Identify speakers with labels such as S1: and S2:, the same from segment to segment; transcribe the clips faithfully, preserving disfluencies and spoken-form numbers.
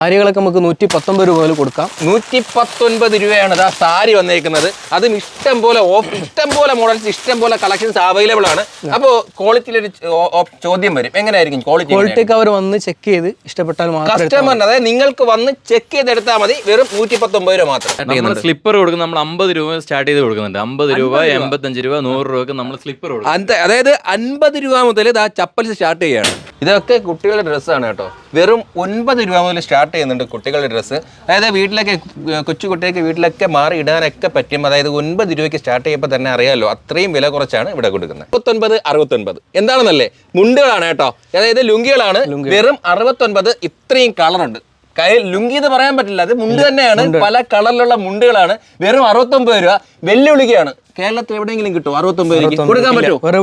S1: സാരികളൊക്കെ നമുക്ക് നൂറ്റി പത്തൊമ്പത് രൂപ മുതൽ കൊടുക്കാം.
S2: നൂറ്റി പത്തൊൻപത് രൂപയാണ് ആ സാരി വന്നേക്കുന്നത്. അതും ഇഷ്ടം പോലെ ഇഷ്ടം പോലെ മോഡൽസ്, ഇഷ്ടം പോലെ കളക്ഷൻസ് അവൈലബിൾ ആണ്. അപ്പോൾ ക്വാളിറ്റിയിലൊരു ചോദ്യം വരും, എങ്ങനെയായിരിക്കും ക്വാളിറ്റി?
S1: ക്വാളിറ്റി അവർ വന്ന് ചെക്ക് ചെയ്ത് ഇഷ്ടപ്പെട്ടാൽ
S2: കസ്റ്റമറിന്, അതായത് നിങ്ങൾക്ക് വന്ന് ചെക്ക് ചെയ്തെടുത്താൽ മതി. വെറും നൂറ്റി പത്തൊമ്പത് രൂപ മാത്രം.
S3: സ്ലിപ്പർ കൊടുക്കും നമ്മൾ അമ്പത് രൂപ സ്റ്റാർട്ട് ചെയ്ത് കൊടുക്കുന്നുണ്ട്. അമ്പത് രൂപ, എൺപത്തഞ്ച് രൂപ, നൂറ് രൂപക്ക് നമ്മൾ സ്ലിപ്പർ കൊടുക്കും.
S2: അതായത് അൻപത് രൂപ മുതൽ ആ ചപ്പൽസ് സ്റ്റാർട്ട് ചെയ്യാണ്. ഇതൊക്കെ കുട്ടികളുടെ ഡ്രസ്സാണ് കേട്ടോ. വെറും ഒൻപത് രൂപ മുതൽ സ്റ്റാർട്ട് ചെയ്യുന്നുണ്ട് കുട്ടികളുടെ ഡ്രസ്സ്. അതായത് വീട്ടിലൊക്കെ കൊച്ചു കുട്ടികൾക്ക് വീട്ടിലൊക്കെ മാറി ഇടാനൊക്കെ പറ്റും. അതായത് ഒൻപത് രൂപയ്ക്ക് സ്റ്റാർട്ട് ചെയ്യുമ്പോൾ തന്നെ അറിയാമല്ലോ, അത്രയും വില കുറച്ചാണ് ഇവിടെ കൊടുക്കുന്നത്. മുപ്പത്തൊൻപത് അറുപത്തൊൻപത് എന്താണെന്നല്ലേ, മുണ്ടുകളാണ് കേട്ടോ. അതായത് ലുങ്കികളാണ്. വെറും അറുപത്തൊൻപത്. ഇത്രയും കളറുണ്ട്. കൈ ലുങ്കി എന്ന് പറയാൻ പറ്റില്ല, അത് മുണ്ട് തന്നെയാണ്. പല കളറിലുള്ള മുണ്ടുകളാണ്. വെറും അറുപത്തൊമ്പത് രൂപ. വെല്ലുവിളിക്കുകയാണ്. കേരളത്തിൽ എവിടെയെങ്കിലും കിട്ടും അറുപത്തൊമ്പത് രൂപ കൊടുക്കാൻ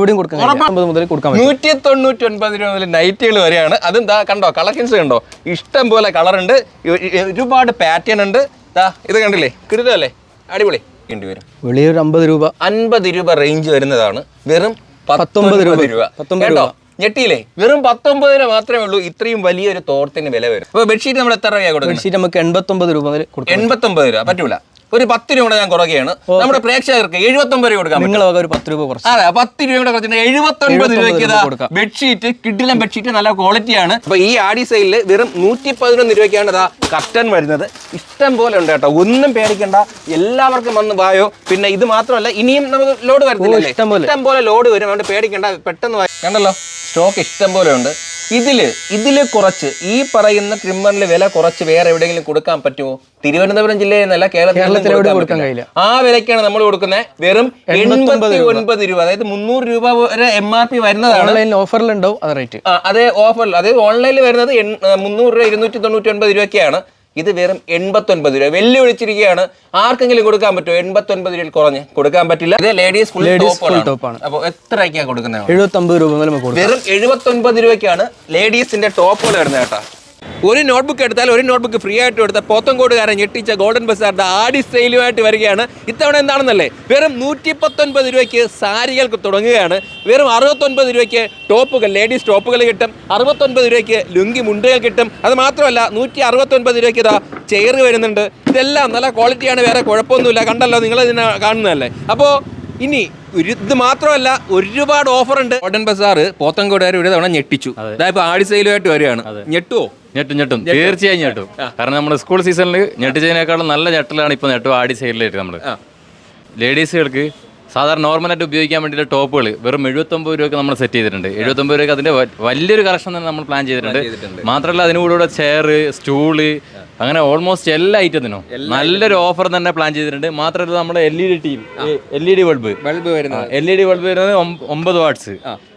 S2: പറ്റുമോ? നൂറ്റി തൊണ്ണൂറ്റി ഒൻപത് രൂപ മുതൽ നൈറ്റുകൾ വരെയാണ്. അതും ദാ കണ്ടോ, കളക്ഷൻസ് കണ്ടോ, ഇഷ്ടം പോലെ കളറുണ്ട്, ഒരുപാട് പാറ്റേൺ ഉണ്ട്. ഇത് കണ്ടില്ലേ, കിടിലല്ലേ, അടിപൊളി. വരും
S1: വെളിയൊരു അമ്പത് രൂപ
S2: അൻപത് രൂപ റേഞ്ച് വരുന്നതാണ്. വെറും പത്തൊമ്പത് രൂപ കേട്ടോ. ഞെട്ടിയില്ലേ, വെറും പത്തൊമ്പത് രൂപ മാത്രമേ ഉള്ളൂ. ഇത്രയും വലിയൊരു തോർത്തിന് വില വരും. അപ്പൊ ബെഡ്ഷീറ്റ് നമ്മൾ എത്ര രൂപ കൊടുക്കും?
S1: ബെഡ്ഷീറ്റ് നമുക്ക് എൺപത്തൊമ്പത് രൂപ മുതൽ
S2: എൺപത്തൊമ്പത് രൂപ പറ്റൂല. ഒരു പത്ത് രൂപ കൂടെ ഞാൻ കുറയ്ക്കുകയാണ്. നമ്മുടെ പ്രേക്ഷകർക്ക് എഴുപത്തൊമ്പത് രൂപ കൊടുക്കാം.
S1: നിങ്ങൾ ഒരു പത്ത് രൂപ കുറച്ച്,
S2: അതെ, പത്ത് രൂപ കൂടെ കുറച്ചിട്ട് എഴുപത്തൊൻപത് രൂപയ്ക്ക് ബെഡ്ഷീറ്റ്, കിഡിലൻ ബെഡ്ഷീറ്റ്, നല്ല ക്വാളിറ്റിയാണ്. അപ്പൊ ഈ ആഡി സെയിലിൽ വെറും നൂറ്റി പതിനൊന്ന് രൂപയ്ക്കാണ് ഇതാ കർട്ടൻ വരുന്നത്. ഇഷ്ടം പോലെ ഉണ്ട് കേട്ടോ, ഒന്നും പേടിക്കണ്ട. എല്ലാവർക്കും വന്ന് വായോ. പിന്നെ ഇത് മാത്രമല്ല, ഇനിയും നമുക്ക് ലോഡ് വരുന്നില്ല, ഇഷ്ടം പോലെ ലോഡ് വരും. അതുകൊണ്ട് പേടിക്കണ്ട, പെട്ടെന്ന് കണ്ടല്ലോ, സ്റ്റോക്ക് ഇഷ്ടം പോലെ ഉണ്ട്. ഇതില് ഇതില് കുറച്ച് ഈ പറയുന്ന ട്രിമ്മറിൽ വില കുറച്ച് വേറെ എവിടെയെങ്കിലും കൊടുക്കാൻ പറ്റുമോ? തിരുവനന്തപുരം ജില്ലയിൽ നിന്നല്ല, കേരളത്തിൽ കൊടുക്കാൻ കഴിയില്ല. ആ വിലക്കാണ് നമ്മൾ കൊടുക്കുന്നത്. വെറും എൺപത്തി ഒൻപത് രൂപ. അതായത് മുന്നൂറ് രൂപ വരെ എം ആർ പി വരുന്നതാണ്.
S1: ഓഫറിലുണ്ടാവും അത് റേറ്റ്.
S2: അതേ ഓഫറിൽ, അതായത് ഓൺലൈനിൽ വരുന്നത് മുന്നൂറ് രൂപ, ഇരുന്നൂറ്റി തൊണ്ണൂറ്റി ഒൻപത് രൂപയ്ക്കാണ്. ഇത് വെറും എൺപത്തൊൻപത് രൂപ. വെല്ലുവിളിച്ചിരിക്കുകയാണ്. ആർക്കെങ്കിലും കൊടുക്കാൻ പറ്റുമോ? എൺപത്തൊൻപത് രൂപയിൽ കുറഞ്ഞ് കൊടുക്കാൻ പറ്റില്ല. ഇത് ലേഡീസ് ഫുൾ ടോപ്പാണ്. അപ്പോൾ എത്രയ്ക്കാണ് കൊടുക്കുന്നത്?
S1: എഴുപത്തൊമ്പത് രൂപ.
S2: വെറും എഴുപത്തൊൻപത് രൂപയ്ക്കാണ് ലേഡീസിന്റെ ടോപ്പുകൾ വരുന്നത് കേട്ടോ. ഒരു നോട്ട്ബുക്ക് എടുത്താൽ ഒരു നോട്ട്ബുക്ക് ഫ്രീ ആയിട്ട് എടുത്താൽ പോത്തങ്കോടുകാരൻ ഞെട്ടിച്ച ഗോൾഡൻ ബസാറിന്റെ ആഡി സെയിലുമായിട്ട് വരികയാണ്. ഇത്തവണ എന്താണെന്നല്ലേ, വെറും നൂറ്റി പത്തൊൻപത് രൂപയ്ക്ക് സാരികൾക്ക് തുടങ്ങുകയാണ്. വെറും അറുപത്തൊൻപത് രൂപയ്ക്ക് ടോപ്പുകൾ, ലേഡീസ് ടോപ്പുകൾ കിട്ടും. അറുപത്തൊൻപത് രൂപയ്ക്ക് ലുങ്കി മുണ്ടുകൾ കിട്ടും. അത് മാത്രമല്ല, നൂറ്റി അറുപത്തൊൻപത് രൂപയ്ക്ക് ഇതാ ചെയർ വരുന്നുണ്ട്. ഇതെല്ലാം നല്ല ക്വാളിറ്റിയാണ്, വേറെ കുഴപ്പമൊന്നുമില്ല. കണ്ടല്ലോ, നിങ്ങൾ ഇതിനെ കാണുന്നതല്ലേ. അപ്പോൾ ഇനി ഇത് മാത്രമല്ല, ഒരുപാട് ഓഫർ ഉണ്ട്. ഗോൾഡൻ ബസാർ പോത്തങ്കോടുകാർ ഒരു തവണ ഞെട്ടിച്ചു. അതായത് ആഡി സെയിലുമായിട്ട് വരികയാണ്. ഞെട്ടുവോ?
S3: ഞെട്ടും ഞെട്ടും തീർച്ചയായും ഞെട്ടും. കാരണം നമ്മുടെ സ്കൂൾ സീസണിൽ ഞെട്ടിച്ചതിനേക്കാളും നല്ല ഞെട്ടലാണ് ഇപ്പോൾ ഞെട്ടും ആഡി സെയിലായിട്ട്. നമ്മൾ ലേഡീസുകൾക്ക് സാധാരണ നോർമലായിട്ട് ഉപയോഗിക്കാൻ വേണ്ടിയിട്ട് ടോപ്പുകൾ വെറും എഴുപത്തൊമ്പത് രൂപയ്ക്ക് നമ്മൾ സെറ്റ് ചെയ്തിട്ടുണ്ട്. എഴുപത്തൊമ്പത് രൂപയ്ക്ക് അതിൻ്റെ വലിയൊരു കളക്ഷൻ തന്നെ നമ്മൾ പ്ലാൻ ചെയ്തിട്ടുണ്ട്. മാത്രമല്ല, അതിന് കൂടെ ചെയർ, സ്റ്റൂള്, അങ്ങനെ ഓൾമോസ്റ്റ് എല്ലാ ഐറ്റത്തിനും നല്ലൊരു ഓഫർ തന്നെ പ്ലാൻ ചെയ്തിട്ടുണ്ട്. മാത്രമല്ല, നമ്മുടെ L E D T V, L E D bulb
S2: bulb വരുന്നത്
S3: എൽ ഇ ഡി ബൾബ് വരുന്നത് ഒമ്പത് വാട്ട്സ്,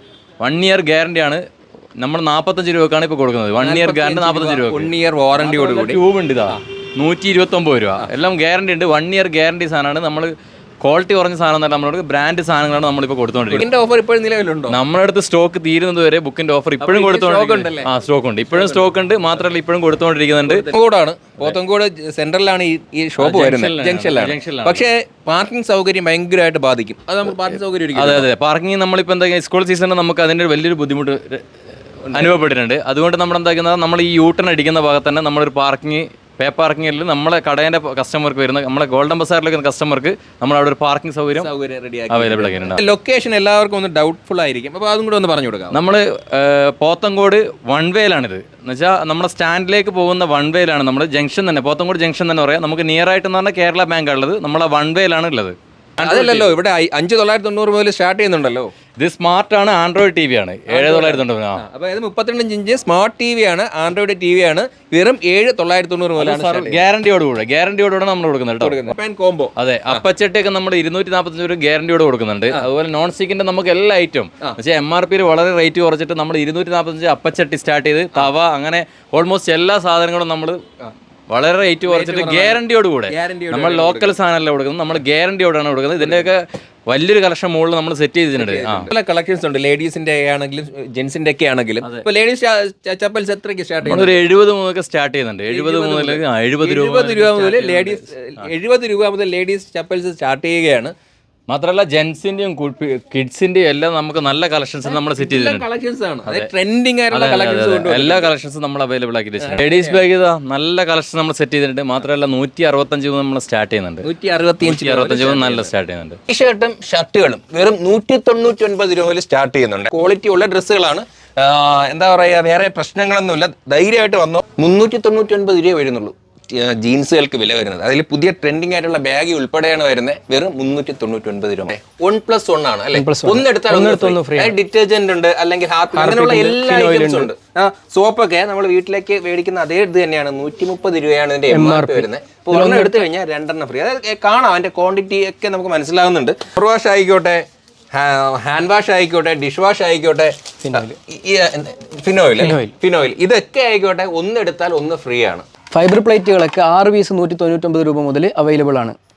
S3: വൺ ഇയർ ഗ്യാരണ്ടി ആണ്. നമ്മൾ നാൽപ്പത്തഞ്ച് രൂപക്കാണ് ഇപ്പോൾ കൊടുക്കുന്നത്. വൺ ഇയർ ഗ്യാരണ്ടി നാൽപ്പത്തഞ്ച് രൂപ.
S2: വൺ ഇയർ വാറണ്ടിയോട് കൂടി
S3: ട്യൂബ് ഉണ്ട്. ഇതാ നൂറ്റി ഇരുപത്തി ഒമ്പത് രൂപ. എല്ലാം ഗ്യാരണ്ടി ഉണ്ട്. വൺ ഇയർ ഗ്യാരണ്ടി സാധനമാണ്. നമ്മൾ ക്വാളിറ്റി കുറഞ്ഞ സാധനം തന്നെ, നമ്മളോട് ബ്രാൻഡ് സാധനങ്ങളാണ് നമ്മളിപ്പോൾ കൊടുത്തുകൊണ്ടിരിക്കുന്നത്.
S2: ഓഫർ ഇപ്പോഴും നിലവിലുണ്ടോ?
S3: നമ്മുടെ അടുത്ത് സ്റ്റോക്ക് തീരുന്നത് വരെ ബുക്കിന്റെ ഓഫർ ഇപ്പോഴും കൊടുത്തോണ്ടിരിക്കുന്നുണ്ട്. ആ സ്റ്റോക്ക് ഉണ്ട്, ഇപ്പോഴും സ്റ്റോക്ക് ഉണ്ട്. മാത്രമല്ല, ഇപ്പോഴും കൊടുത്തുകൊണ്ടിരിക്കുന്നുണ്ട്.
S2: പോത്തങ്കോടാണ്, പോത്തങ്കോട് സെൻട്രലാണ് ഈ ഷോപ്പ് വരുന്നത്, ജംഗ്ഷനിലാണ്. പക്ഷേ പാർക്കിംഗ് സൗകര്യം ഭയങ്കരമായിട്ട് ബാധിക്കും. അത് നമുക്ക് പാർക്കിംഗ് സൗകര്യം.
S3: അതെ അതെ, പാർക്കിംഗ് നമ്മളിപ്പോൾ എന്താ സ്കൂൾ സീസണിൽ നമുക്ക് അതിൻ്റെ വലിയൊരു ബുദ്ധിമുട്ട് അനുഭവപ്പെട്ടിട്ടുണ്ട്. അതുകൊണ്ട് നമ്മൾ എന്താക്കുന്നത്, നമ്മൾ ഈ യൂട്ടൺ അടിക്കുന്ന ഭാഗത്ത് തന്നെ നമ്മളൊരു പാർക്കിംഗ് പേ പാർക്കിങ്ങിൽ നമ്മളെ കടേൻ്റെ കസ്റ്റമർക്ക് വരുന്ന, നമ്മളെ ഗോൾഡൻ ബസാറിലേക്ക് കസ്റ്റമർക്ക് നമ്മൾ അവിടെ ഒരു പാർക്കിംഗ് സൗകര്യം അവൈലബിൾ ആക്കിയിട്ടുണ്ട്.
S2: ലൊക്കേഷൻ എല്ലാവർക്കും ഒന്ന് ഡൗട്ട്ഫുൾ ആയിരിക്കും, അപ്പോൾ അതും കൂടെ ഒന്ന് പറഞ്ഞു കൊടുക്കാം.
S3: നമ്മൾ പോത്തങ്കോട് വൺ വേയിലാണിത്. എന്ന് വെച്ചാൽ നമ്മുടെ സ്റ്റാൻഡിലേക്ക് പോകുന്ന വൺ വേയിലാണ്. നമ്മൾ ജംഗ്ഷൻ തന്നെ, പോത്തങ്കോട് ജംഗ്ഷൻ തന്നെ പറയാം. നമുക്ക് നിയർ ആയിട്ടെന്ന് പറഞ്ഞാൽ കേരള ബാങ്ക് ഉള്ളത്, നമ്മളെ വൺ വേയിലാണ് ഉള്ളത്.
S2: അതല്ലല്ലോ, ഇവിടെ അഞ്ച് തൊള്ളായിരത്തി തൊണ്ണൂറ് മുതൽ സ്റ്റാർട്ട് ചെയ്യുന്നുണ്ടല്ലോ.
S3: ഇത് സ്മാർട്ട് ആണ്, ആൻഡ്രോയിഡ് ടി വി ആണ്. ഏഴ് തൊള്ളായിരത്തി തൊണ്ണൂറ്.
S2: അപ്പോൾ ഇത് മുപ്പത്തിരണ്ട് ഇഞ്ച് സ്മാർട്ട് ടി വി ആണ്, ആൻഡ്രോയിഡ് ടി വി ആണ്. വെറും ഏഴ് തൊള്ളായിരത്തി തൊണ്ണൂറ് മുതലാണ്.
S3: ഗ്യാരണ്ടിയോടുകൂടെ ഗ്യാരണ്ടിയോടുകൂടെ നമ്മൾ കൊടുക്കുന്നുണ്ട്
S2: കോംബോ.
S3: അതെ, അപ്പച്ചട്ടിയൊക്കെ നമ്മൾ ഇരുന്നൂറ്റി നാൽപ്പത്തഞ്ച് രൂപ ഗ്യാരണ്ടിയോട് കൊടുക്കുന്നുണ്ട്. അതുപോലെ നോൺ സ്റ്റിക്കിന്റെ നമുക്ക് എല്ലാ ഐറ്റം പക്ഷേ എം ആർ പിയിൽ വളരെ റേറ്റ് കുറച്ചിട്ട് നമ്മൾ ഇരുന്നൂറ്റി നാൽപ്പത്തഞ്ച് അപ്പച്ചട്ടി സ്റ്റാർട്ട് ചെയ്ത് തവ, അങ്ങനെ ഓൾമോസ്റ്റ് എല്ലാ സാധനങ്ങളും നമ്മൾ വളരെ റേറ്റ് കുറച്ചിട്ട് ഗ്യാരണ്ടിയോട് കൂടെ നമ്മൾ ലോക്കൽ സാധനമല്ല കൊടുക്കുന്നത്, നമ്മൾ ഗ്യാരണ്ടിയോടാണ് കൊടുക്കുന്നത്. ഇതിന്റെയൊക്കെ വലിയൊരു കളക്ഷൻ മുകളിൽ നമ്മൾ സെറ്റ് ചെയ്തിട്ടുണ്ട്.
S2: പല കളക്ഷൻസ് ഉണ്ട്, ലേഡീസിന്റെ ആണെങ്കിലും ജെന്റ്സിന്റെ ഒക്കെ ആണെങ്കിലും. ലേഡീസ് ചപ്പൽസ് എത്രയ്ക്ക് സ്റ്റാർട്ട് ചെയ്യുന്നത്?
S3: ഒരു എഴുപത് മുതലൊക്കെ സ്റ്റാർട്ട് ചെയ്യുന്നുണ്ട്. എഴുപത് മുതൽ എഴുപത് രൂപ
S2: രൂപ മുതൽ ലേഡീസ് എഴുപത് രൂപ മുതൽ ലേഡീസ് ചപ്പൽസ് സ്റ്റാർട്ട് ചെയ്യുകയാണ്.
S3: മാത്രമല്ല ജെൻസിന്റെയും കിഡ്സിന്റെയും എല്ലാം നമുക്ക് നല്ല കളക്ഷൻസ് നമ്മൾ സെറ്റ് ചെയ്തിട്ടുണ്ട്.
S2: കളക്ഷൻസ് ആണ് അതെ ട്രെൻഡിങ് ആയിട്ടുള്ള
S3: അതെ, അതെ,
S2: കളക്ഷൻസ്
S3: അതെ. എല്ലാ കളക്ഷൻസും നമ്മൾ അവൈലബിൾ ആക്കി വെച്ചിട്ടുണ്ട്. ലേഡീസ് ബാഗ് ഇതാ നല്ല കളക്ഷൻ നമ്മൾ സെറ്റ് ചെയ്തിട്ടുണ്ട്. മാത്രമല്ല നൂറ്റി അറുപത്തഞ്ച് മുതൽ നമ്മൾ സ്റ്റാർട്ട് ചെയ്യുന്നുണ്ട്.
S2: നൂറ്റി അറുപത്തിയഞ്ച്
S3: നൂറ്റി അറുപത്തഞ്ച് മുതൽ നല്ല സ്റ്റാർട്ട് ചെയ്യുന്നുണ്ട്.
S2: ടീഷർട്ടും ഷർട്ടുകളും വെറും നൂറ്റി തൊണ്ണൂറ്റി ഒൻപത് രൂപ മുതൽ സ്റ്റാർട്ട് ചെയ്യുന്നുണ്ട്. ക്വാളിറ്റി ഉള്ള ഡ്രസ്സുകളാണ്. എന്താ പറയുക, വേറെ പ്രശ്നങ്ങളൊന്നുമില്ല. ധൈര്യമായിട്ട് വന്നോ. മുന്നൂറ്റി തൊണ്ണൂറ്റി ഒൻപത് രൂപ വരുന്നുള്ളൂ ജീൻസുകൾക്ക് വില വരുന്നത്. അതിൽ പുതിയ ട്രെൻഡിങ് ആയിട്ടുള്ള ബാഗ് ഉൾപ്പെടെയാണ് വരുന്നത്. വെറും മുന്നൂറ്റി തൊണ്ണൂറ്റി ഒൻപത് രൂപ. വൺ പ്ലസ് വൺ ആണ് അല്ലെ? ഒന്നെടുത്താൽ ഡിറ്റർജന്റ് ഉണ്ട്, അല്ലെങ്കിൽ ഹാർപ്പി, അങ്ങനെയുള്ള എല്ലാ ഐറ്റംസും ഉണ്ട്. സോപ്പൊക്കെ നമ്മൾ വീട്ടിലേക്ക് മേടിക്കുന്ന അതേ ഇത് തന്നെയാണ്. നൂറ്റി മുപ്പത് രൂപയാണ് ഇതിന്റെ എം ആർ പി വരുന്നത്. ഇപ്പോൾ ഒരെണ്ണം എടുത്തു കഴിഞ്ഞാൽ രണ്ടെണ്ണം ഫ്രീ. അതായത് കാണാം, അതിന്റെ ക്വാണ്ടിറ്റി ഒക്കെ നമുക്ക് മനസ്സിലാവുന്നുണ്ട്. ഫർ വാഷ് ആയിക്കോട്ടെ, ഹാൻഡ് വാഷ് ആയിക്കോട്ടെ, ഡിഷ് വാഷ് ആയിക്കോട്ടെ, ഫിനോയിൽ ഫിനോയിൽ ഇതൊക്കെ ആയിക്കോട്ടെ, ഒന്നെടുത്താൽ ഒന്ന് ഫ്രീ ആണ്.
S1: ഫൈബർ പ്ലേറ്റുകളൊക്കെ ആറ് പീസ് നൂറ്റി തൊണ്ണൂറ്റൊമ്പത് രൂപ മുതൽ അവൈലബിൾ ആണ്.